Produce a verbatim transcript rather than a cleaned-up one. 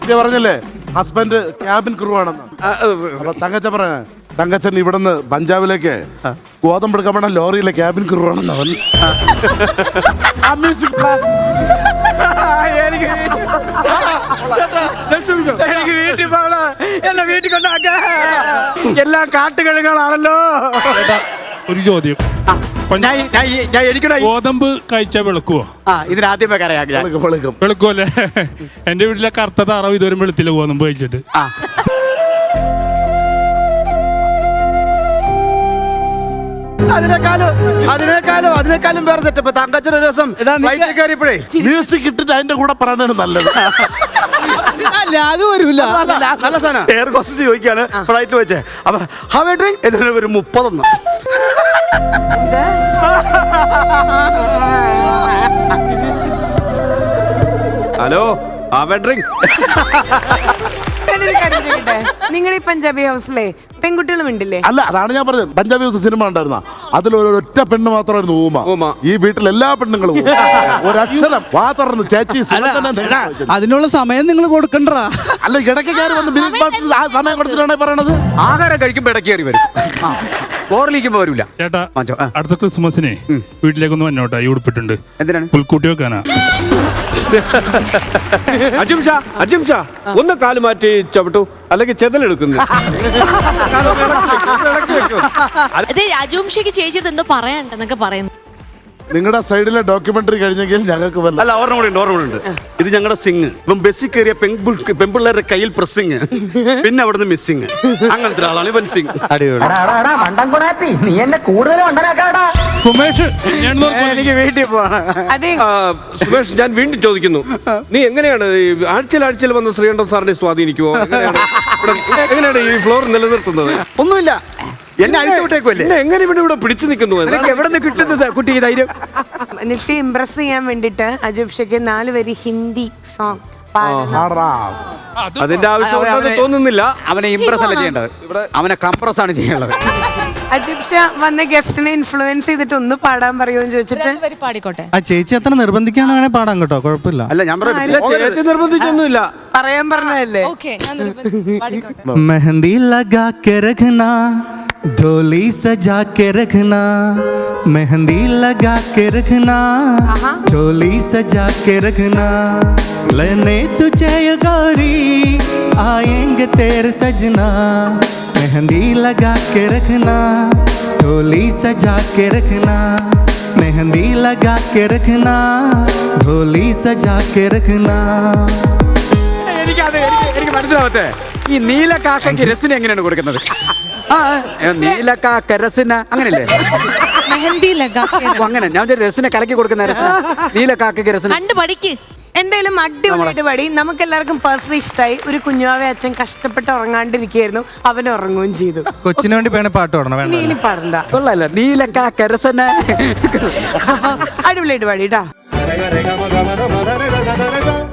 പറഞ്ഞല്ലേ husband cabin crew ആണെന്ന്. അപ്പൊ തങ്കച്ചൻ പറഞ്ഞ തങ്കച്ചൻ ഇവിടുന്ന് പഞ്ചാബിലേക്ക് ഗോതമ്പെടുക്കാൻ വേണ്ട ലോറിയിലെ ക്യാബിൻ ക്രൂ ആണെന്ന് അവൻ. എനിക്ക് വീട്ടിൽ പോകണം, എന്നെ വീട്ടിൽ കൊണ്ടാക്ക. എല്ലാം കാട്ടുകഴുകളാണല്ലോ. ഒരു ചോദ്യം, ഗോതമ്പ് കഴിച്ചാ വെളുക്കുവോ? ആ ഇതിനാദ്യമേ കറിയാക്കി വെളുക്കുവല്ലേ? എന്റെ വീട്ടിലെ കറുത്ത താറാവ് ഇതുവരെ വെളുത്തില്ല ഗോതമ്പ് കഴിച്ചിട്ട്. അതിനേക്കാളും അതിനേക്കാളും അതിനേക്കാളും വേറെ സെറ്റപ്പ്. തങ്കച്ചൻ ഒരു ദിവസം കയറിയപ്പോഴേ മ്യൂസിക് ഇട്ടിട്ട് അതിന്റെ കൂടെ പറയണതാണ് നല്ലത്. വരൂല നല്ല സാധനം. എയർ ഹോസ്റ്റസ് ചോദിക്കാണ് ഫ്ലൈറ്റ് വെച്ചേ. അപ്പൊ ഹവേ ഡ്രിങ്ക് ഇതിന് ഒരു മുപ്പതൊന്ന്. Hello ഹവേ drink. നിങ്ങൾ ഈ പഞ്ചാബി ഹൗസിലെ പെൺകുട്ടികളും ഉണ്ടല്ലേ? അല്ല, അതാണ് ഞാൻ പറഞ്ഞത്. പഞ്ചാബി ഹൗസ് സിനിമ ഉണ്ടായിരുന്ന അതിൽ ഒരൊറ്റ പെണ്ണ് മാത്രമായിരുന്നു ഊമ. ഈ വീട്ടിൽ എല്ലാ പെണ്ണുങ്ങളും ഒരക്ഷരം വാ തുറന്ന് ചേച്ചി. അതിനുള്ള സമയം നിങ്ങൾ കൊടുക്കണ്ടാ. അല്ല, ഇടയ്ക്ക് കയറി വന്ന് ആ സമയം കൊടുത്തിട്ടാണ് പറയണത്. ആഹാരം കഴിക്കുമ്പോ ഇടയ്ക്ക് കയറി വരും, ഫ്ലോറിലേക്കുമ്പോ വരൂല. ചേട്ടാ, അടുത്ത ക്രിസ്മസിനെ വീട്ടിലേക്കൊന്ന് വന്നോട്ടാ. ഈ ഉടുപ്പിട്ടുണ്ട്. എന്തിനാണ്? പുൽക്കൂട്ടി വെക്കാനാ. അജിം ഷാ, അജിം ഷാ, ഒന്ന് കാല് മാറ്റി ചവിട്ടു, അല്ലെങ്കിൽ ചെതലെടുക്കുന്നു. അതെ, അജുംഷയ്ക്ക് ചേച്ചിയുടെ എന്തോ പറയാണ്ടെന്നൊക്കെ പറയുന്നു. നിങ്ങളുടെ സൈഡിലെ ഡോക്യുമെന്ററി കഴിഞ്ഞെങ്കിൽ ഞങ്ങൾക്ക് വല്ല. അല്ല, ഓർമ്മ ഉണ്ട്, ഓർമ്മ ഉണ്ട്. ഇത് ഞങ്ങളുടെ സിംഗ്. ഇപ്പം ബസ്സിൽ കയറിയ പെൺപിള്ളേരുടെ കയ്യിൽ പ്രസ്സിങ്, പിന്നെ അവിടുന്ന് മിസ്സിങ്. അങ്ങനത്തെ ഒരാളാണ് ഇവൻ സിംഗ്. സുമേഷ്, എനിക്ക് വീട്ടിൽ പോകണം. അതെ സുമേഷ്, ഞാൻ വീണ്ടും ചോദിക്കുന്നു, നീ എങ്ങനെയാണ് ആഴ്ചയിൽ ആഴ്ചയിൽ വന്ന് ശ്രീകണ്ഠൻ സാറിനെ സ്വാധീനിക്കുവോ? എങ്ങനെയാണ് എങ്ങനെയാണ് ഈ ഫ്ലോർ നിലനിർത്തുന്നത്? ഒന്നുമില്ല, എന്നെ അഴിച്ചു വിട്ടേക്കുമല്ലേ. എങ്ങനെ ഇവിടെ ഇവിടെ പിടിച്ചു നിൽക്കുന്നു? എവിടെ നിന്ന് കിട്ടുന്നത് കുട്ടി ധൈര്യം? നിത്യ ഇംപ്രസ് ചെയ്യാൻ വേണ്ടിട്ട് അജുബ്ഷയ്ക്ക് നാല് വരി ഹിന്ദി സോങ് അതിന്റെ ആവശ്യം തോന്നുന്നില്ല. അവനെ ഇംപ്രസ് അല്ല ചെയ്യേണ്ടത്, അവനെ കംപ്രസ് ആണ് ചെയ്യേണ്ടത്. അജുബ്ഷ വന്ന ഗസ്റ്റിനെ ഇൻഫ്ലുവൻസ് ചെയ്തിട്ട് ഒന്ന് പാടാൻ പറയുമെന്ന് ചോദിച്ചിട്ട് പാടിക്കോട്ടെ. ആ ചേച്ചി അത്ര നിർബന്ധിക്കാണ് വേണേ പാടാം കേട്ടോ, കുഴപ്പമില്ല. അല്ല, ഞാൻ ചേച്ചി നിർബന്ധിച്ചൊന്നുമില്ല, പറയാൻ പറഞ്ഞതല്ലേ. മെഹന്തി ലഗാ കെ രഖ്നാ, ढोली सजा के रखना, मेहंदी लगा के रखना, ढोली सजा के रखना, लेने तुझे ये गौरी आएंगे तेरे सजना, मेहंदी लगा के रखना, ढोली सजा के रखना, मेहंदी लगा के रखना, ढोली सजा के रखना. എനിക്ക് മനസ്സിലാവത്തെ ഈ നീലക്കാക്കയ്ക്ക് രസിന് എങ്ങനെയാണ് കൊടുക്കുന്നത്? നീലക്കാക്ക രസിന അങ്ങനല്ലേ? അങ്ങനെ ഞാൻ രസിനെ കലക്കി കൊടുക്കുന്ന നീലക്കാക്കയ്ക്ക് രസിന കണ്ടു പഠിക്ക്. എന്തായാലും അടിപൊളിയായിട്ട് പാടി. നമുക്ക് എല്ലാവർക്കും പേഴ്സണലി ഇഷ്ടമായി. ഒരു കുഞ്ഞുവാവെ അച്ഛൻ കഷ്ടപ്പെട്ട് ഉറങ്ങാണ്ടിരിക്കുകയായിരുന്നു, അവൻ ഉറങ്ങുകയും ചെയ്തു. കൊച്ചിന് വേണ്ടി വേണേ പാട്ട് പാടണം. ഇനി പാടണ്ട. കൊള്ളാലോ, നീലക്കാക്ക രസന. അടിപൊളിയായിട്ട് പാടിട്ടാ.